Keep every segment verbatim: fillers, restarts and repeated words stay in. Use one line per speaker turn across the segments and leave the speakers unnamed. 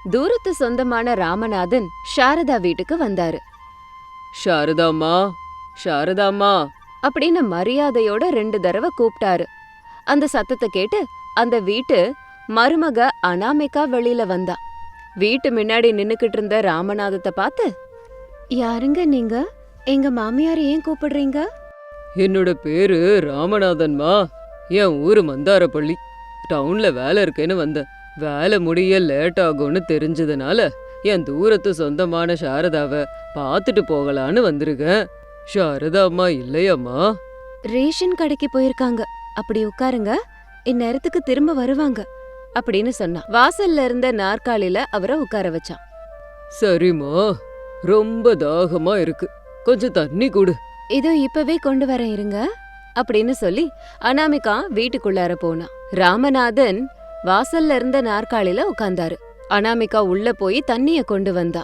தூரத்து சொந்தமான ராமநாதன் சாரதா வீட்டுக்கு வந்தாரு.
சாரதாம்மா, சாரதாம்மா
அப்படின்னு மரியாதையோட ரெண்டு தடவை கூப்பிட்டாரு. அந்த சத்தத்தை கேட்டு அந்த வீட்டு மருமக அனாமிகா வெளியில வந்தா. வீட்டு முன்னாடி நின்னுக்கிட்டு இருந்த ராமநாதத்தை பார்த்து, யாருங்க நீங்க? எங்க மாமியார் ஏன் கூப்பிடுறீங்க?
என்னோட பேரு ராமநாதன்மா. என் ஊரு மந்தாரப்பள்ளி. டவுன்ல வேலை இருக்கேன்னு வந்தேன். வேலை முடிய லேட் ஆகும்னு தெரிஞ்சதுனால என் தூரத்து சொந்தமான சாரதாவை பார்த்துட்டு போகலான்னு வந்திருக்கேன். சாரதா அம்மா இல்லையாம்மா?
ரேஷன் கடைக்கு போயிருக்காங்க. அப்படி உட்காருங்க, இந்நேரத்துக்கு திரும்ப வருவாங்க அப்படின்னு சொன்னா. வாசல்ல இருந்த நாற்காலில அவரை உட்கார வச்சான்.
சரிம்மா, ரொம்ப தாகமா இருக்கு, கொஞ்சம் தண்ணி கொடு.
இதோ இப்பவே கொண்டு வரேன் இருங்க அப்படின்னு சொல்லி அனாமிகா வீட்டுக்குள்ளார போனா. ராமநாதன் வாசல்ல இருந்த நாற்காலில உட்கார்ந்தாரு. அனாமிகா உள்ள போய் தண்ணிய கொண்டு வந்தா.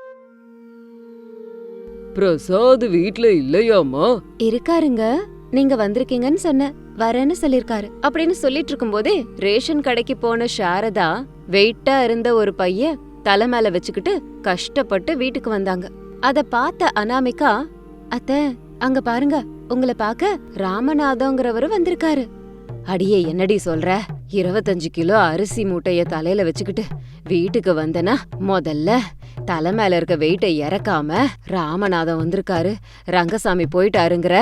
பிரசாத் வீட்ல இல்லையாமா?
இருக்காருங்க, நீங்க வந்திருக்கீங்கன்னு சொன்ன, வரேன்னு சொல்லிருக்காரு அப்படின்னு சொல்லிட்டு இருக்கும் போதே ரேஷன் கடைக்கு போன சாரதா வெயிட்டா இருந்த ஒரு பைய தலை மேல வச்சுக்கிட்டு கஷ்டப்பட்டு வீட்டுக்கு வந்தாங்க. அத பார்த்த அனாமிகா, அத்த அங்க பாருங்க, உங்களை பார்க்க ராமநாதங்கிறவரு வந்திருக்காரு. அடியே என்னடி சொல்ற? இருபத்தஞ்சு கிலோ அரிசி மூட்டைய தலையில வச்சுக்கிட்டு வீட்டுக்கு வந்தனா முதல்ல தலை மேல இருக்க வெயிட்டை இறக்காம ராமநாதன் வந்திருக்காரு, ரங்கசாமி போயிட்டாருங்கிற.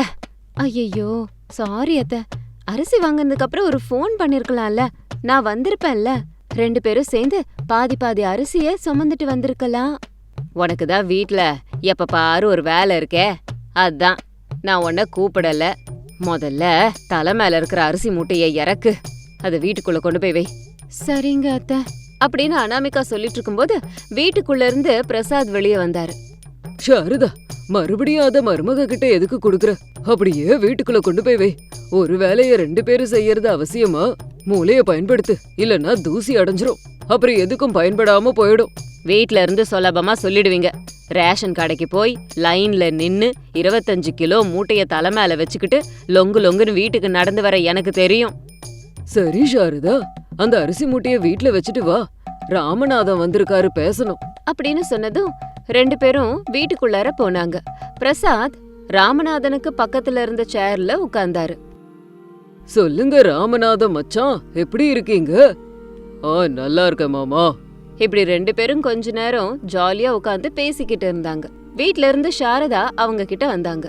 ஐயோ சாரி அத்த, அரிசி வாங்கினதுக்கு அப்புறம் ஒரு போன் பண்ணிருக்கலாம்ல, நான் வந்திருப்பேன்ல. ரெண்டு பேரும் சேர்ந்து பாதி பாதி அரிசிய சுமந்துட்டு வந்திருக்கலாம். உனக்குதான் வீட்ல எப்ப பாரு ஒரு வேலை இருக்கே, அதான் நான் உன்ன கூப்பிடல. முதல்ல தலை மேல இருக்கிற அரிசி மூட்டைய இறக்கு, அத வீட்டுக்குள்ள கொண்டு போய் வை. சரிங்க அத்த அப்படின்னு அனாமிகா சொல்லிட்டு இருக்கும்போது வீட்டுக்குள்ள இருந்து பிரசாத் வெளியே வந்தாரு.
சாரதா, மறுபடியும் அத மருமக கிட்ட எதுக்கு கொடுக்குற? அப்படியே வீட்டுக்குள்ள கொண்டு போய் வை. ஒரு வேலைய ரெண்டு பேரும் செய்யறது அவசியமா? மூளைய பயன்படுத்து, இல்லன்னா தூசி அடைஞ்சிரும், அப்புறம் எதுக்கும் பயன்படாம போயிடும்.
வீட்ல இருந்து சுலபமா சொல்லிடுவீங்க. ரேஷன் கடைக்கு போய் லைன்ல நின்னு இருபத்தஞ்சு கிலோ மூட்டைய தலை மேல வச்சுக்கிட்டு லொங்கு லொங்குன்னு வீட்டுக்கு நடந்து வர எனக்கு தெரியும்.
சரி சாரதா, அந்த அரிசி மூட்டைய வீட்ல வச்சுட்டு வா, ராமநாதன் வந்திருக்காரு, பேசணும்
அப்படின்னு சொன்னதும் ரெண்டு பேரும் வீட்டுக்குள்ளார போனாங்க. பிரசாத் ராமநாதனுக்கு பக்கத்துல இருந்த சேர்ல உட்கார்ந்தாரு.
சொல்லுங்க ராமநாதன் மச்சான், எப்படி இருக்கீங்க? ஆ நல்லா இருக்க மாமா.
இப்படி ரெண்டு பேரும் கொஞ்ச நேரம் ஜாலியா உட்கார்ந்து பேசிக்கிட்டு இருந்தாங்க. வீட்ல இருந்து சாரதா அவங்க கிட்ட வந்தாங்க.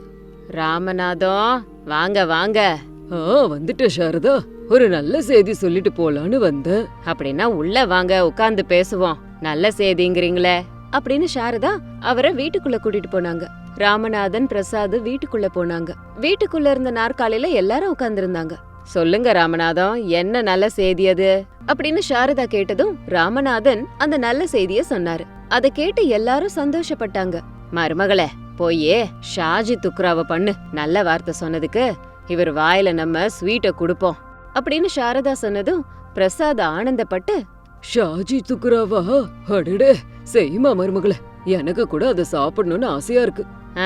ராமநாதம் வாங்க வாங்க.
ஆ வந்துட்ட சாரதா, ஒரு நல்ல செய்தி சொல்லிட்டு போலான்னு வந்தேன்.
அப்படின்னா உள்ள வாங்க, உட்கார்ந்து பேசுவோம். நல்ல செய்திங்கிறீங்களே அப்படின்னு சாரதா அவரை வீட்டுக்குள்ள கூட்டிட்டு போனாங்க. ராமநாதன் பிரசாத் வீட்டுக்குள்ள போனாங்க. வீட்டுக்குள்ள இருந்த நாற்காலில எல்லாரும் உட்கார்ந்து இருந்தாங்க. சொல்லுங்க ராமநாதம், என்ன நல்ல செய்தி அது அப்படின்னு சாரதா கேட்டதும் ராமநாதன் அந்த நல்ல செய்திய சொன்னாரு. அத கேட்டு எல்லாரும் சந்தோஷப்பட்டாங்க. மருமகளே போயே ஷாஜி துக்ராவ பண்ணு, நல்ல வார்த்தை சொன்னதுக்கு இவர் வாயில நம்ம ஸ்வீட்ட குடுப்போம் அப்படின்னு சாரதா சொன்னதும் பிரசாத் ஆனந்தப்பட்டு,
ஷாஜி துக்குராவா? அடடே, செய்யுமா மருமகளே, எனக்கு கூட அதை சாப்பிடணும்னு ஆசையா இருக்கு.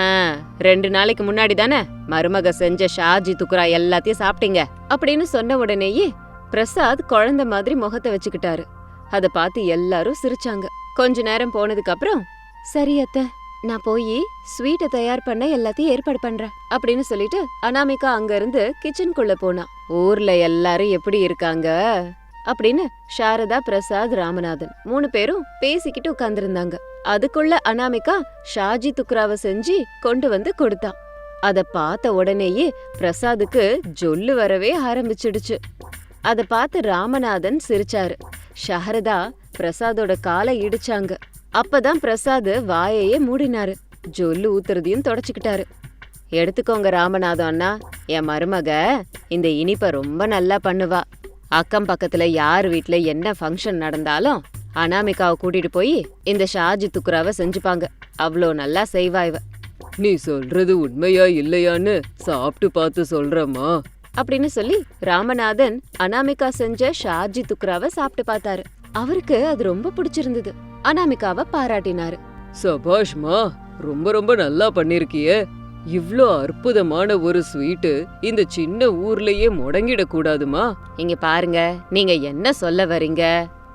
ரெண்டு நாளைக்கு முன்னாடி தானே மருமக செஞ்ச ஷாஜி துக்குரா எல்லாத்தையும் சாப்பிட்டீங்க அப்படின்னு சொன்ன உடனேயே பிரசாத் குழந்தை மாதிரி முகத்தை வச்சுக்கிட்டாரு. அத பார்த்து எல்லாரும் சிரிச்சாங்க. கொஞ்ச நேரம் போனதுக்கு அப்புறம், சரி அத்த, நான் போய் ஸ்வீட்டை தயார் பண்ண எல்லாத்தையும் ஏற்பாடு பண்றேன் அப்படின்னு சொல்லிட்டு அனாமிகா அங்க இருந்து கிச்சனுக்குள்ள போனா. ஊர்ல எல்லாரும் எப்படி இருக்காங்க அப்படின்னு சாரதா, பிரசாத், ராமநாதன் மூணு பேரும் பேசிக்கிட்டு உட்கார்ந்துருந்தாங்க. அதுக்குள்ள அனாமிகா ஷாஜி துக்ராவை செஞ்சு கொண்டு வந்து கொடுத்தா. அத பார்த்த உடனேயே பிரசாதுக்கு ஜொல்லு வரவே ஆரம்பிச்சிடுச்சு. அத பார்த்து ராமநாதன் சிரிச்சாரு. சாரதா பிரசாதோட காலை இடிச்சாங்க. அப்பதான் பிரசாத் வாயையே மூடினாரு. ஜொல்லு ஊத்துறதையும் தொடச்சுக்கிட்டாரு. எடுத்துக்கோங்க ராமநாதம் அண்ணா, என் மருமக இந்த இனிப்ப ரொம்ப நல்லா பண்ணுவா. அக்கம் பக்கத்துல யார் வீட்ல என்ன ஃபங்க்ஷன் நடந்தாலும் அனாமிகாவை கூட்டிட்டு போய் இந்த ஷாஜி துக்குராவை செஞ்சுப்பாங்க. அவ்வளோ நல்லா செய்வா இவ.
நீ சொல்றது உண்மையா இல்லையான்னு சாப்பிட்டு பார்த்து சொல்றமா
அப்படின்னு சொல்லி ராமநாதன் அனாமிகா செஞ்ச ஷாஜி துக்ராவை சாப்பிட்டு பார்த்தாரு. அவருக்கு அது ரொம்ப பிடிச்சிருந்தது. அனாமிகாவை பாராட்டினாரு.
சபாஷ்மா, ரொம்ப ரொம்ப நல்லா பண்ணிருக்கியே. இவ்ளோ அற்புதமான ஒரு ஸ்வீட்டு இந்த சின்ன ஊர்லயே முடங்கிட கூடாதுமா.
இங்க பாருங்க, நீங்க என்ன சொல்ல வரீங்க?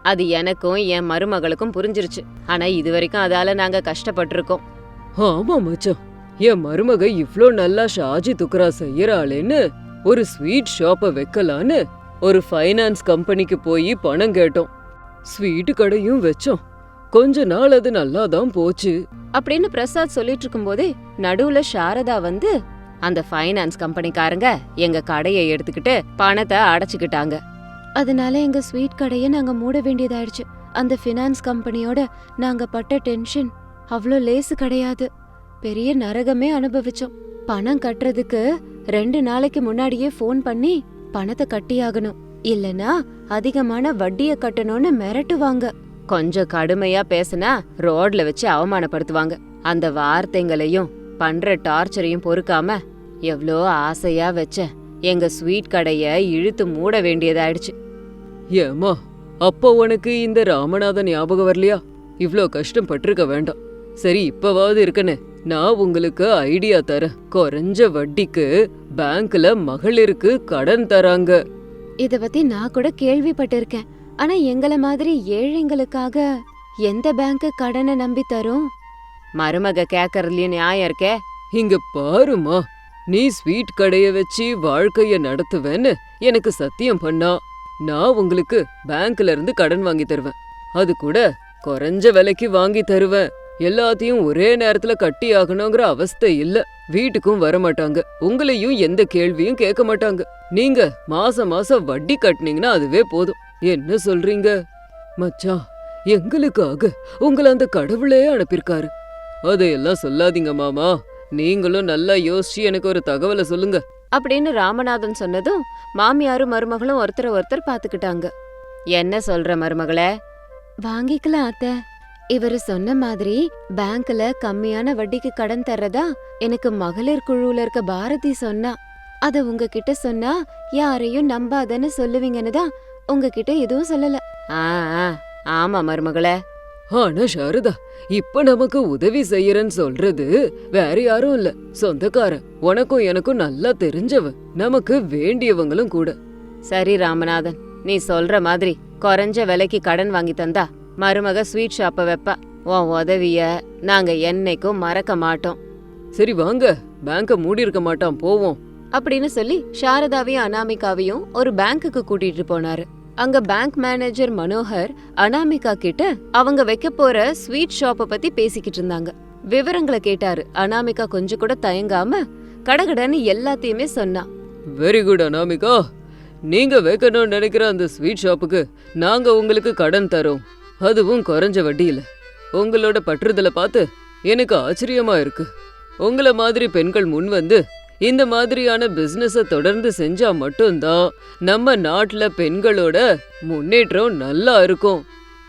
அது எனக்கும் என் மருமகளுக்கும் புரிஞ்சிருச்சு. ஆனா இது வரைக்கும் அதால நாங்க கஷ்டப்பட்டிருக்கோம்.
ஆமா மச்சான், என் மருமக இவ்ளோ நல்லா ஷாஜி துக்ரா செய்யறாளேன்னு ஒரு ஸ்வீட் ஷாப்ப வைக்கலான்னு ஒரு ஃபைனான்ஸ் கம்பெனிக்கு போய் பணம் கேட்டோம். ஸ்வீட் கடையும் வச்சோம். கொஞ்ச நாள் அது நல்லாதான் போச்சு
அப்படின்னு பிரசாத் சொல்லிட்டு இருக்கும்போதே நடுவுல சாரதா வந்து, அந்த ஃபைனான்ஸ் கம்பெனிக்காரங்க எங்க கடையை எடுத்துக்கிட்டு பணத்தை அடைச்சுக்கிட்டாங்க. அதனால எங்க ஸ்வீட் கடையை நாங்க மூட வேண்டியதாயிடுச்சு. அந்த ஃபினான்ஸ் கம்பெனியோட நாங்க பட்ட டென்ஷன் அவ்ளோ லேசு கிடையாது. பெரிய நரகமே அனுபவிச்சோம். பணம் கட்டுறதுக்கு ரெண்டு நாளைக்கு முன்னாடியே ஃபோன் பண்ணி பணத்தை கட்டியாகணும், இல்லனா அதிகமான வட்டிய கட்டணும்னு மிரட்டுவாங்க. கொஞ்சம் கடுமையா பேசினா ரோட்ல வச்சு அவமானப்படுத்துவாங்க. அந்த வார்த்தைங்களையும் பண்ற டார்ச்சரையும் பொறுக்காம எவ்ளோ ஆசையா வச்ச எங்க ஸ்வீட் கடைய இழுத்து மூட வேண்டியதாயிடுச்சு.
ஏமா, அப்போ உனக்கு இந்த ராமநாதன் ஞாபகம் வரலையா? இவ்ளோ கஷ்டம் பட்டிருக்க வேண்டாம். சரி, இப்பவாவது இருக்கனே, நான் உங்களுக்கு ஐடியா தரேன். குறைஞ்ச வட்டிக்கு பேங்க்ல மகளிருக்கு கடன் தராங்க.
இத பத்தி நான் கூட கேள்விப்பட்டிருக்கேன். ஆனா எங்கள மாதிரி ஏழைங்களுக்காக எந்த பேங்க் கடனை நம்பி தரும்? மருமக கேக்கறதுலயும் நியாயம் இருக்கே.
இங்க பாருமா, நீ ஸ்வீட் கடைய வச்சு வாழ்க்கைய நடத்துவேன்னு எனக்கு சத்தியம் பண்ணா நான் உங்களுக்கு பேங்க்ல இருந்து கடன் வாங்கி தருவேன். அது கூட குறைஞ்ச விலைக்கு வாங்கி தருவேன். எல்லாத்தையும் ஒரே நேரத்துல கட்டி ஆகணுங்கிற அவஸ்தை இல்ல. வீட்டுக்கும் வர மாட்டாங்க, உங்களையும் எந்த கேள்வியும் கேட்க மாட்டாங்க. நீங்க மாசம் மாசம் வட்டி கட்டினீங்கன்னா அதுவே போதும். என்ன சொல்றீங்க மச்சான்? எங்களுக்காக உங்களை அந்த கடவுளே அனுப்பியிருக்காரு. அதையெல்லாம் சொல்லாதீங்க மாமா. நீங்களும் நல்லா யோசிச்சு எனக்கு ஒரு தகவலை சொல்லுங்க
அப்படின்னு ராமநாதன் சொன்னதும் மாமியாரும் மருமகளும் ஒருத்தர ஒருத்தர் பாத்துக்கிட்டாங்க. என்ன சொல்ற மருமகளே? வாங்கிக்கலாம் அத்தை. இவரு சொன்ன மாதிரி பேங்க்ல கம்மியான வட்டிக்கு கடன் தர்றதா எனக்கு மகளிர் குழுல இருக்க பாரதி சொன்னா. அத உங்ககிட்ட சொன்னா யாரையும் நம்பாதன்னு சொல்லுவீங்கன்னு தான் உங்ககிட்ட எதுவும் சொல்லல. ஆ ஆமா மருமகளே.
ஆனா சாரதா, இப்ப நமக்கு உதவி செய்யறன்னு சொல்றது வேற யாரும் இல்ல, சொந்தக்காரன். உனக்கும் எனக்கும் நல்லா தெரிஞ்சவ, நமக்கு வேண்டியவங்களும் கூட.
சரி ராமநாதன், நீ சொல்ற மாதிரி குறைஞ்ச விலைக்கு கடன் வாங்கி தந்தா மருமக ஸ்வீட் ஷாப்ப வைப்பா. உன் உதவிய நாங்க என்னைக்கும் மறக்க மாட்டோம்.
சரி வாங்க, பேங்க மூடி இருக்க மாட்டான், போவோம்
அப்படின்னு சொல்லி சாரதாவையும் அனாமிகாவையும் ஒரு பேங்க்குக்கு கூட்டிட்டு போனாரு. அங்க பேங்க் மேனேஜர் மனோகர் அனாமிகா கிட்ட அவங்க வைக்க போற ஸ்வீட் ஷாப்ப பத்தி பேசிக்கிட்டு இருந்தாங்க. விவரங்களை கேட்டாரு. அனாமிகா கொஞ்சம் கூட தயங்காம கடகடன்னு எல்லாத்தையுமே சொன்னா.
வெரி குட் அனாமிகா, நீங்க வைக்கணும்னு நினைக்கிற அந்த ஸ்வீட் ஷாப்புக்கு நாங்க உங்களுக்கு கடன் தரோம், அதுவும் குறைஞ்ச வட்டியில. உங்களோட பற்றுதலை பார்த்து எனக்கு ஆச்சரியமா இருக்கு. உங்களை மாதிரி பெண்கள் முன் வந்து இந்த மாதிரியான பிசினஸ தொடர்ந்து செஞ்சா மட்டும்தான் நம்ம நாட்டுல பெண்களோட முன்னேற்றம் நல்லா இருக்கும்.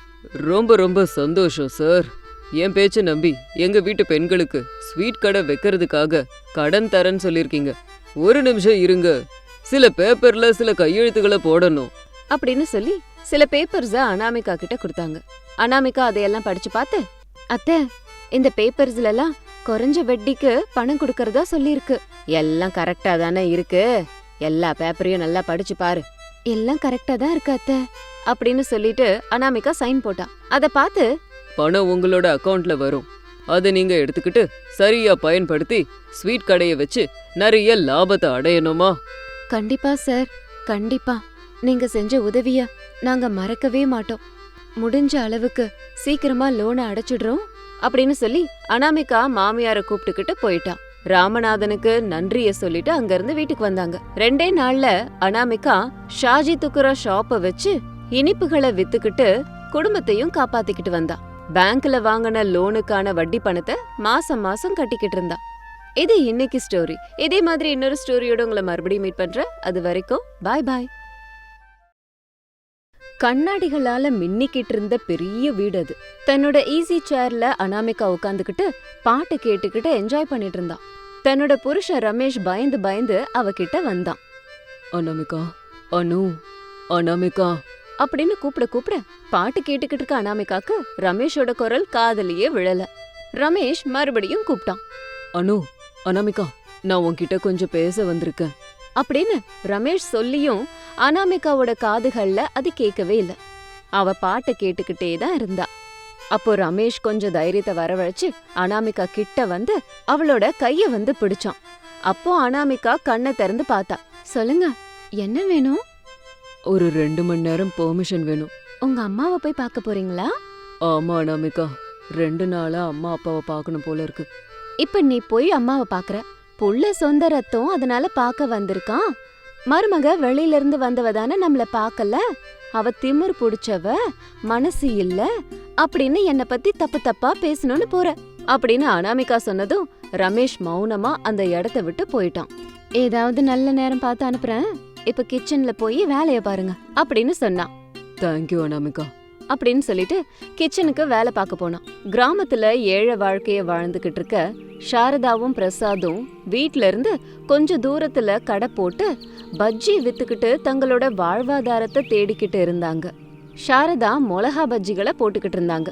ரொம்ப ரொம்ப சந்தோஷம் சார். என் பேச்ச நம்பி எங்க வீட்டு பெண்களுக்கு ஸ்வீட் கடை வைக்கிறதுக்காக கடன் தரேன்னு சொல்லிருக்கீங்க. ஒரு நிமிஷம் இருங்க, சில பேப்பர்ல சில கையெழுத்துக்களை போடணும்
அப்படின்னு சொல்லி சில பேப்பர்ஸ அனாமிகா கிட்ட கொடுத்தாங்க. அனாமிகா அதையெல்லாம் படிச்சு பார்த்து, அத்தை இந்த பேப்பர்ஸ்ல எல்லாம் குறைஞ்ச வட்டிக்கு பணம் கொடுக்கறதா சொல்லிருக்கு. எல்லாம் கரெக்டா தானே இருக்கு, எல்லா பேப்பரையும் நல்லா படிச்சு பாரு. எல்லாம் கரெக்டா தான் இருக்கு அத்தை அப்படின்னு சொல்லிட்டு அனாமிகா சைன் போட்டா. அத பார்த்து,
பணம் உங்களோட அக்கவுண்ட்ல வரும், அதை நீங்க எடுத்துக்கிட்டு சரியா பயன்படுத்தி ஸ்வீட் கடையை வச்சு நிறைய லாபத்தை அடையணுமா?
கண்டிப்பா சார், கண்டிப்பா. நீங்க செஞ்ச உதவிய நாங்க மறக்கவே மாட்டோம். முடிஞ்ச அளவுக்கு சீக்கிரமா லோனை அடைச்சிடுறோம் அப்படின்னு சொல்லி அனாமிகா மாமியார கூப்பிட்டுக்கிட்டு போயிட்டான். ராமநாதனுக்கு நன்றிய சொல்லிட்டு அங்க இருந்து வீட்டுக்கு வந்தாங்க. ரெண்டே நாள்ல அனாமிகா ஷாஜி துக்குரா ஷாப்ப வச்சு இனிப்புகளை வித்துக்கிட்டு குடும்பத்தையும் காப்பாத்திக்கிட்டு வந்தா. பேங்க்ல வாங்கின லோனுக்கான வட்டி பணத்தை மாசம் மாசம் கட்டிக்கிட்டு இருந்தா. இது இன்னைக்கு ஸ்டோரி. இதே மாதிரி இன்னொரு ஸ்டோரியோட உங்களை மறுபடியும் மீட் பண்றேன். அது வரைக்கும் பாய் பாய். கண்ணாடிகளால மின்னிக்கிட்டு இருந்த பெரிய வீடு அது. தன்னோட ஈஸி சேர்ல அனாமிகா உட்காந்துக்கிட்டு பாட்டு கேட்டுக்கிட்டு என்ஜாய் பண்ணிட்டு இருந்தா. தன்னோட புருஷன் ரமேஷ் பயந்து பயந்து அவகிட்ட வந்தான்.
அனாமிகா, அனு, அனாமிகா
அப்படின்னு கூப்பிட கூப்பிட பாட்டு கேட்டுக்கிட்டு இருக்க அனாமிகாக்கு ரமேஷோட குரல் காதலியே விழல. ரமேஷ் மறுபடியும் கூப்பிட்டான்.
அனு, அனாமிகா, நான் உன்கிட்ட கொஞ்சம் பேச வந்திருக்கேன்
அப்படின்னு ரமேஷ் சொல்லியும் அனாமிகாவோட காதுகள்ல அது கேட்கவே இல்ல. அவ பாட்டை கேட்டுக்கிட்டே தான் இருந்தா. அப்போ ரமேஷ் கொஞ்சம் தைரியத்தை வரவழைச்சு அனாமிகா கிட்ட வந்து அவளோட கைய வந்து பிடிச்சான். அப்போ அனாமிகா கண்ணை திறந்து பார்த்தா. சொல்லுங்க, என்ன வேணும்?
ஒரு ரெண்டு மணி நேரம் பெர்மிஷன் வேணும்.
உங்க அம்மாவை போய் பார்க்க போறீங்களா?
ஆமா அனாமிகா, ரெண்டு நாளா அம்மா அப்பாவை பார்க்கணும் போல இருக்கு.
இப்ப நீ போய் அம்மாவை பாக்குற. புள்ள சொந்த ரத்தம், அதனால பார்க்க வந்திருக்கான். மருமக வெளியில இருந்து வந்தவ தானே நம்மள பார்க்கல. அவ திமிர் புடிச்சவ, மனசு இல்ல அப்படின்னு என்ன பத்தி தப்பு தப்பா பேசணும்னு போற அப்படின்னு அனாமிகா சொன்னதும் ரமேஷ் மௌனமா அந்த இடத்த விட்டு போயிட்டான். ஏதாவது நல்ல நேரம் பார்த்து அனுப்புறேன், இப்ப கிச்சன்ல போய் வேலைய பாருங்க அப்படின்னு சொன்னான்.
தேங்க்யூ அனாமிகா
அப்படின்னு சொல்லிட்டு கிச்சனுக்கு வேலை பார்க்க போனான். கிராமத்துல ஏழை வாழ்க்கைய வாழ்ந்துகிட்டு இருக்க சாரதாவும் பிரசாதும் வீட்ல இருந்து கொஞ்ச தூரத்துல கடை போட்டு பஜ்ஜி வித்துக்கிட்டு தங்களோட வாழ்வாதாரத்தை தேடிக்கிட்டு இருந்தாங்க. சாரதா மிளகா பஜ்ஜிகளை போட்டுக்கிட்டு இருந்தாங்க.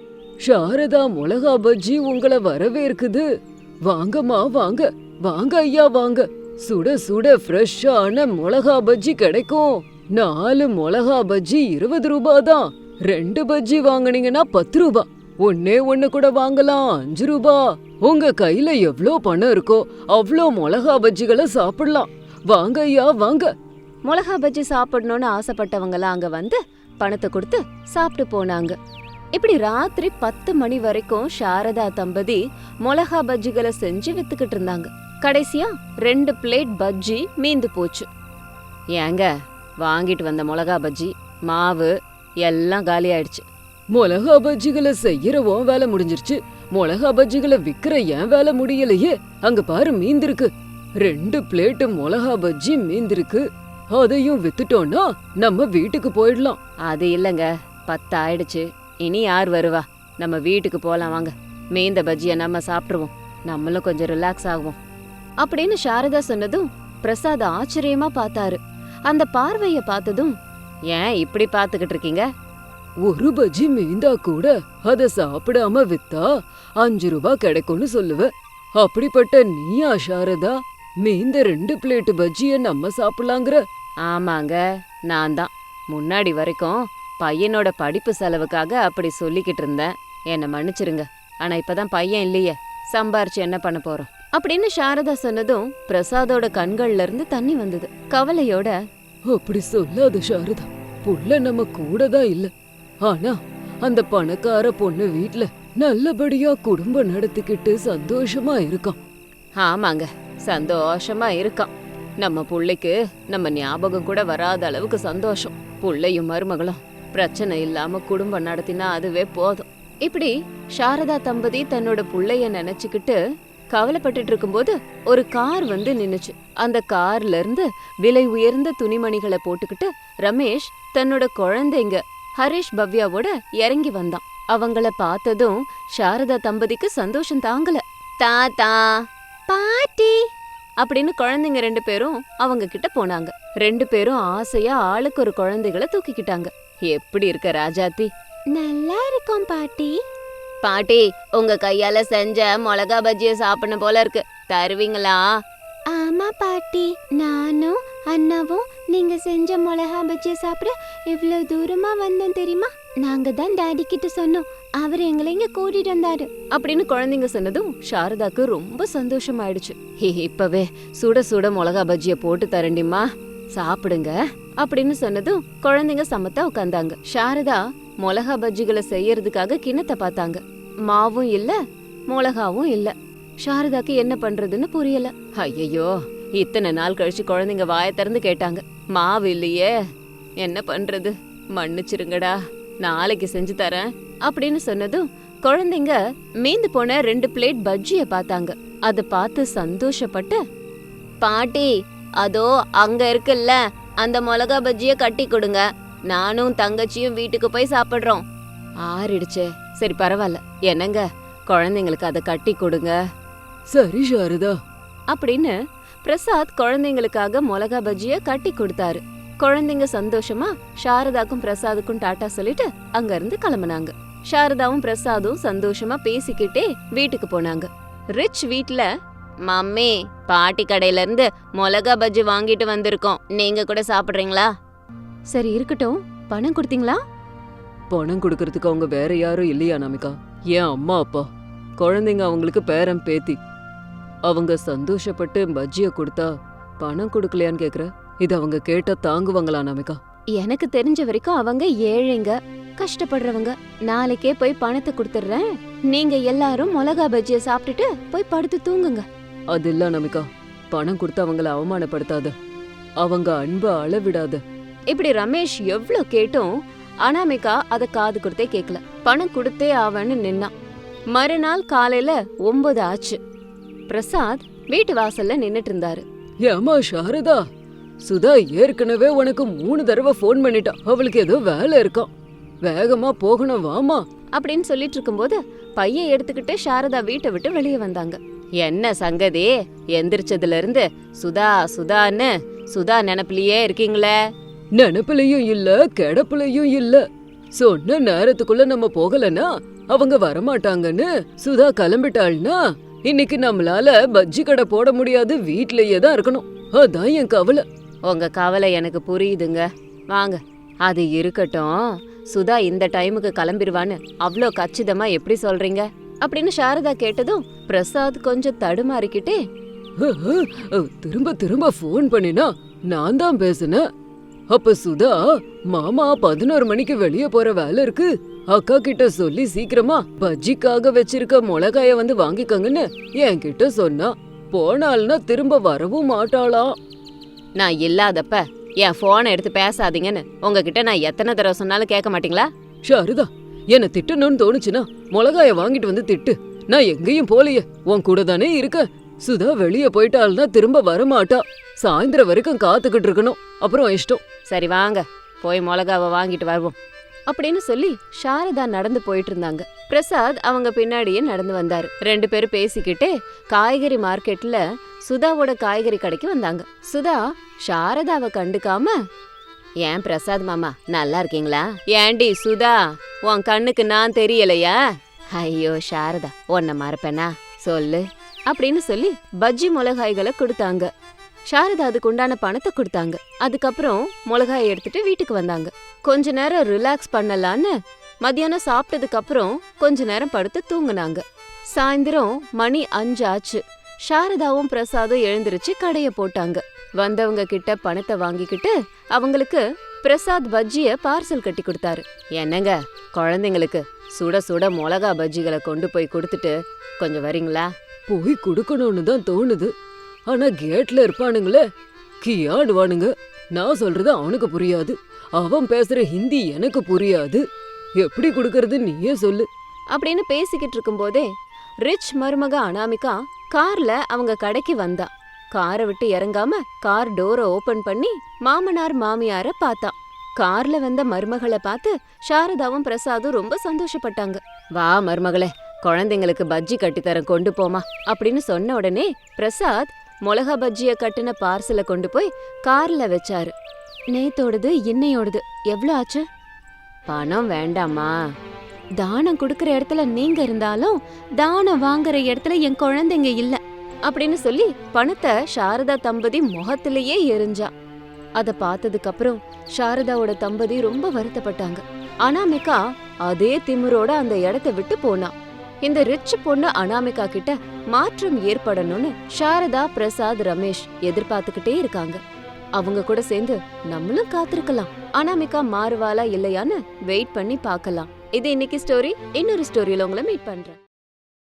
சாரதா மிளகா பஜ்ஜி உங்களை வரவேற்குது. வாங்கம்மா வாங்க, வாங்க ஐயா வாங்க. சுட சுட ஃப்ரெஷ்ஷான மிளகா பஜ்ஜி கிடைக்கும். நாலு மிளகா பஜ்ஜி இருபது ரூபாய் தான். ரெண்டு பஜ்ஜி வாங்குனீங்கன்னா பத்து ரூபா. ஒன்னே ஒண்ணு கூட வாங்கலாம் அஞ்சு ரூபா. உங்க கையில எவ்ளோ பணம் இருக்கோ அவ்ளோ மிளகா பஜ்ஜிகளை சாப்பிடலாம். வாங்க ஐயா வாங்க.
மிளகா பஜ்ஜி சாப்பிடணும்னு ஆசைப்பட்டவங்கலாம் அங்க வந்து பணத்தை கொடுத்து சாப்பிட்டு போனாங்க. இப்படி ராத்திரி பத்து மணி வரைக்கும் சாரதா தம்பதி மிளகா பஜ்ஜிகளை செஞ்சு வித்துக்கிட்டு இருந்தாங்க. கடைசியா ரெண்டு பிளேட் பஜ்ஜி மீந்து போச்சு. ஏங்க, வாங்கிட்டு வந்த மிளகா பஜ்ஜி மாவு எல்லாம் காலி ஆயிடுச்சு.
மிளகா பஜ்ஜிகளை செய்யறவும் வேலை முடிஞ்சிருச்சு. மிளகா பஜ்ஜிகளை விக்கிற ஏன் வேலை முடியலையே? அங்க பாரு மீந்திருக்கு. ரெண்டு பிளேட்டு மிளகா பஜ்ஜி மீந்திருக்கு. அதையும் வித்துட்டோம்னா நம்ம வீட்டுக்கு போயிடலாம்.
அது இல்லங்க, பத்து ஆயிடுச்சு. இனி யார் வருவா? நம்ம வீட்டுக்கு போலாம் வாங்க. மீந்த பஜ்ஜிய நம்ம சாப்பிட்டுருவோம், நம்மளும் கொஞ்சம் ரிலாக்ஸ் ஆகுவோம் அப்படின்னு சாரதா சொன்னதும் பிரசாத் ஆச்சரியமா பார்த்தாரு. அந்த பார்வைய பார்த்ததும், ஏன் இப்படி பாத்துக்கிட்டு இருக்கீங்க?
ஒரு பஜ்ஜி மீந்தா கூட அத சாப்பிடாம வித்தா அஞ்சு ரூபாய் கிடைக்கும்னு சொல்லுவ. அப்படிப்பட்ட நீயா சாரதா மீந்த ரெண்டு பிளேட் பஜ்ஜிய நம்ம சாப்பிடலாங்கிற?
ஆமாங்க, நான் தான். முன்னாடி வரைக்கும் பையனோட படிப்பு செலவுக்காக அப்படி சொல்லிக்கிட்டு இருந்தேன். என்ன மன்னிச்சிருங்க. ஆனா இப்பதான் பையன் இல்லையே, சம்பாரிச்சு என்ன பண்ண போறோம் அப்படின்னு சாரதா சொன்னதும் பிரசாதோட கண்கள்ல இருந்து தண்ணி வந்தது. கவலையோட,
அப்படி சொல்லாத சாரதா, புள்ள நம்ம கூட தான் இல்ல. ஆனா அந்த பணக்கார பொண்ணு வீட்ல நல்லபடியா குடும்பம் நடத்திக்கிட்டு சந்தோஷமா இருக்கான்.
ஆமாங்க, சந்தோஷமா இருக்கான். நம்ம புள்ளைக்கு நம்ம ஞாபகம் கூட வராத அளவுக்கு சந்தோஷம். புள்ளையும் மருமகளும் பிரச்சனை இல்லாம குடும்பம் நடத்தினா அதுவே போதும். இப்படி சாரதா தம்பதி தன்னோட புள்ளைய நினைச்சுக்கிட்டு கவலைப்பட்டுட்டு இருக்கும்போது ஒரு கார் வந்து நின்னுச்சு. அந்த கார்ல இருந்து விலை உயர்ந்த துணிமணிகளை போட்டுக்கிட்டு ரமேஷ் தன்னோட குழந்தைங்க ஹரிஷ் பவ்யாவோட இறங்கி வந்தான். அவங்கள பார்த்ததும் சாரதா தம்பதிக்கு சந்தோஷம் தாங்கல. தாத்தா, பாட்டி அப்படின்னு குழந்தைங்க ரெண்டு பேரும் அவங்க கிட்ட போனாங்க. ரெண்டு பேரும் ஆசையா ஆளுக்கு ஒரு குழந்தைகளை தூக்கிக்கிட்டாங்க. எப்படி இருக்க ராஜாத்தி? நல்லா இருக்கும் பாட்டி. பாட்டி, உங்க கையால செஞ்ச மிளகா பஜ்ஜிய சாப்பிடணும் போல இருக்கு, தருவீங்களா? ஆமா பாட்டி, நானும் அண்ணாவும் நீங்க செஞ்ச மிளகா பஜ்ஜிய சாப்பிட இவ்வளவு தூரமா வந்தோம் தெரியுமா? நாங்க தான் டாடி கிட்ட சொன்னோம், அவர் எங்களை இங்க கூட்டிட்டு வந்தாரு அப்படின்னு குழந்தைங்க சொன்னதும் சாரதாக்கு ரொம்ப சந்தோஷமாயிடுச்சு. இப்பவே சுட சுட மிளகா பஜ்ஜிய போட்டு தரண்டிமா, சாப்பிடுங்க அப்படின்னு சொன்னதும் குழந்தைங்க சமத்தா உட்கார்ந்தாங்க. சாரதா மிளகா பஜ்ஜிகளை செய்யறதுக்காக கிண்ணத்தை பார்த்தாங்க. மாவும் இல்ல, மிளகாவும் இல்ல. சாரதாக்கு என்ன பண்றதுன்னு புரியல. ஐயோ, இத்தனை நாள் கழிச்சு குழந்தைங்க வாய திறந்து கேட்டாங்க, மாவு இல்லையே, என்ன பண்றது, மன்னிச்சிருங்கடா, நாளைக்கு செஞ்சு தரேன் அப்படின்னு சொன்னதும் குழந்தைங்க மீந்து போன ரெண்டு பிளேட் பஜ்ஜிய பார்த்தாங்க. அத பார்த்து சந்தோஷப்பட்டு, பாட்டி அதோ அங்க இருக்குல்ல அந்த மிளகா பஜ்ஜிய கட்டி கொடுங்க, நானும் தங்கச்சியும் வீட்டுக்கு போய் சாப்பிடுறோம். ஆறிடுச்சே, சரி பரவாயில்ல, என்னங்க குழந்தைங்களுக்கு அதை கட்டி கொடுங்க.
சரி சாரதா
அப்படின்னு பிரசாத் குழந்தைங்களுக்காக மிளகா பஜ்ஜிய கட்டி கொடுத்தாரு. குழந்தைங்க சந்தோஷமா சாரதாக்கும் பிரசாதுக்கும் டாட்டா சொல்லிட்டு அங்க இருந்து கிளம்புனாங்க. சாரதாவும் பிரசாதும் சந்தோஷமா பேசிக்கிட்டே வீட்டுக்கு போனாங்க. ரிச் வீட்ல, மம்மி பாட்டி கடையில இருந்து மிளகா பஜ்ஜி வாங்கிட்டு வந்திருக்கோம், நீங்க கூட சாப்பிடுறீங்களா? சரி இருக்கட்டும், பணம் கொடுத்தீங்களா?
பணம் கொடுக்கறதுக்கு அவங்க வேற யாரும் இல்லையா அனாமிகா? ஏன் அம்மா அப்பா, குழந்தைங்க, அவங்களுக்கு பேரன் பேத்தி, அவங்க சந்தோஷப்பட்டு பஜ்ஜிய கொடுத்தா பணம் கொடுக்கலையான்னு கேக்குற? இது அவங்க கேட்டா தாங்குவாங்களா அனாமிகா?
எனக்கு தெரிஞ்ச வரைக்கும் அவங்க ஏழைங்க, கஷ்டப்படுறவங்க. நாளைக்கே போய் பணத்தை கொடுத்துடுறேன், நீங்க எல்லாரும் மிளகா பஜ்ஜிய சாப்பிட்டுட்டு போய் படுத்து தூங்குங்க.
அது இல்ல அனாமிகா, பணம் கொடுத்து அவங்கள அவமானப்படுத்தாத, அவங்க அன்ப அளவிடாத.
இப்படி ரமேஷ் எவ்ளோ கேட்டும் அனாமிகா அத காது கொடுத்தே கேக்கல. பணம் கொடுத்தே ஆவன்னு நின்னான். மறுநாள் காலையில ஒன்பது ஆச்சு. பிரசாத் வீட்டு வாசல்ல நின்னுட்டு இருந்தாரு.
ஏமா சாரதா, சுதா ஏற்கனவே உனக்கு மூணு தடவை போன் பண்ணிட்டா, அவளுக்கு ஏதோ வேலை இருக்காம், வேகமா போகணும் வாமா
அப்படின்னு சொல்லிட்டு இருக்கும்போது பைய எடுத்துக்கிட்டு சாரதா வீட்டை விட்டு வெளியே வந்தாங்க. என்ன சங்கதி, எந்திரிச்சதுல இருந்து சுதா சுதான்னு சுதா நினைப்புலயே இருக்கீங்களே?
நினப்புலயும் இல்ல, கிடப்புலயும் இல்ல. சொன்ன நேரத்துக்குள்ள நம்ம போகலன்னா அவங்க வரமாட்டாங்கன்னு சுதா கிளம்பிட்டாள்னா இன்னைக்கு நம்மளால பஜ்ஜி கடை போட முடியாது, வீட்லயே தான் இருக்கணும். அதான் என் கவலை.
உங்க கவலை எனக்கு புரியுதுங்க, வாங்க. அது இருக்கட்டும், சுதா இந்த டைமுக்கு கிளம்பிடுவான்னு அவ்வளோ கச்சிதமா எப்படி சொல்றீங்க அப்படின்னு சாரதா கேட்டதும் பிரசாத் கொஞ்சம் தடுமாறிக்கிட்டே,
திரும்ப திரும்ப போன் பண்ணினா நான் தான் பேசுனேன். அப்ப சுதா, மாமா பதினோரு மணிக்கு வெளியே போற வேலை இருக்கு, அக்கா கிட்ட சொல்லி சீக்கிரமா பஜ்ஜிக்காக வச்சிருக்க மிளகாய வந்து வாங்கிக்கங்கன்னு என்கிட்ட சொன்னா, போனால்னா திரும்ப வரவும் மாட்டாளாம்.
நான் இல்லாதப்ப என் போனை எடுத்து பேசாதீங்கன்னு உங்ககிட்ட நான் எத்தனை தடவை சொன்னாலும் கேட்க மாட்டீங்களா?
ஷாருதா, என்ன திட்டணும்னு தோணுச்சுன்னா மிளகாய வாங்கிட்டு வந்து திட்டு, நான் எங்கேயும் போலையே, உன் கூட தானே இருக்க. சுதா வெளியே போயிட்டாள்னா திரும்ப வரமாட்டா, சாயந்தரம் வரைக்கும் காத்துக்கிட்டு இருக்கணும், அப்புறம் இஷ்டம்.
சரி வாங்க, போய் மிளகாவை வாங்கிட்டு வருவோம் அப்படின்னு சொல்லி சாரதா நடந்து போயிட்டு இருந்தாங்க. பிரசாத் அவங்க பின்னாடியே நடந்து வந்தாரு. ரெண்டு பேரும் பேசிக்கிட்டே காய்கறி மார்க்கெட்ல சுதாவோட காய்கறி கடைக்கு வந்தாங்க. சுதா சாரதாவை கண்டுக்காம, ஏன் பிரசாத் மாமா நல்லா இருக்கீங்களா? ஏண்டி சுதா, உன் கண்ணுக்கு நான் தெரியலையா? ஐயோ சாரதா, உன்னை மறப்பேனா சொல்லு அப்படின்னு சொல்லி பஜ்ஜி மிளகாய்களை கொடுத்தாங்க. சாரதா அதுக்கு உண்டான பணத்தை கொடுத்தாங்க. அதுக்கப்புறம் மிளகாயை எடுத்துட்டு வீட்டுக்கு வந்தாங்க. கொஞ்ச நேரம் ரிலாக்ஸ் பண்ணலான்னு மத்தியானம் சாப்பிட்டதுக்கு அப்புறம் கொஞ்ச நேரம் படுத்து தூங்குனாங்க. சாயந்தரம் மணி அஞ்சு ஆச்சு. சாரதாவும் பிரசாதும் எழுந்திருச்சு கடைய போட்டாங்க. வந்தவங்க கிட்ட பணத்தை வாங்கிக்கிட்டு அவங்களுக்கு பிரசாத் பஜ்ஜிய பார்சல் கட்டி கொடுத்தாரு. என்னங்க, குழந்தைங்களுக்கு சுட சுட மிளகா பஜ்ஜிகளை கொண்டு போய் கொடுத்துட்டு கொஞ்சம் வரீங்களா?
போய் கொடுக்கணும்னு தான் தோணுது, ஆனா கேட்ல இருப்பானுங்களே, கியாடுவானுங்க. நான் சொல்றது அவனுக்கு புரியாது, அவன் பேசுற ஹிந்தி எனக்கு புரியாது, எப்படி கொடுக்கறது நீயே சொல்லு
அப்படின்னு பேசிக்கிட்டு இருக்கும் போதே ரிச் மருமக அனாமிகா கார்ல அவங்க கடைக்கு வந்தா. காரை விட்டு இறங்காம கார் டோரை ஓபன் பண்ணி மாமனார் மாமியார பார்த்தா. கார்ல வந்த மருமகளை பார்த்து சாரதாவும் பிரசாதும் ரொம்ப சந்தோஷப்பட்டாங்க. வா மருமகளே, குழந்தைங்களுக்கு பஜ்ஜி கட்டித்தரம் கொண்டு போமா அப்படின்னு சொன்ன உடனே பிரசாத் மிளகா பஜ்ஜிய கட்டின பார்சலை கொண்டு போய் கார்ல வச்சாரு. நேத்தோடது இன்னையோடது எவ்வளவு ஆச்சு? பணம் வேண்டாமா, தானம் கொடுக்கற இடத்துல நீங்க இருந்தாலும் தானம் வாங்குற இடத்துல என் குழந்தைங்க இல்ல அப்படின்னு சொல்லி பணத்தை சாரதா தம்பதி முகத்திலேயே எரிஞ்சா. அத பார்த்ததுக்கு அப்புறம் சாரதாவோட தம்பதி ரொம்ப வருத்தப்பட்டாங்க. அனாமிகா அதே திமிரோட அந்த இடத்தை விட்டு போனா. இந்த ரிச் பொண்ணு அனாமிகா கிட்ட மாற்றம் ஏற்படணும்னு சாரதா, பிரசாத், ரமேஷ் எதிர்பார்த்துக்கிட்டே இருக்காங்க. அவங்க கூட சேர்ந்து நம்மளும் காத்திருக்கலாம். அனாமிகா மாறுவாளா இல்லையான்னு வெயிட் பண்ணி பார்க்கலாம். இது இன்னைக்கு ஸ்டோரி. இன்னொரு ஸ்டோரியில உங்களை மீட் பண்றேன்.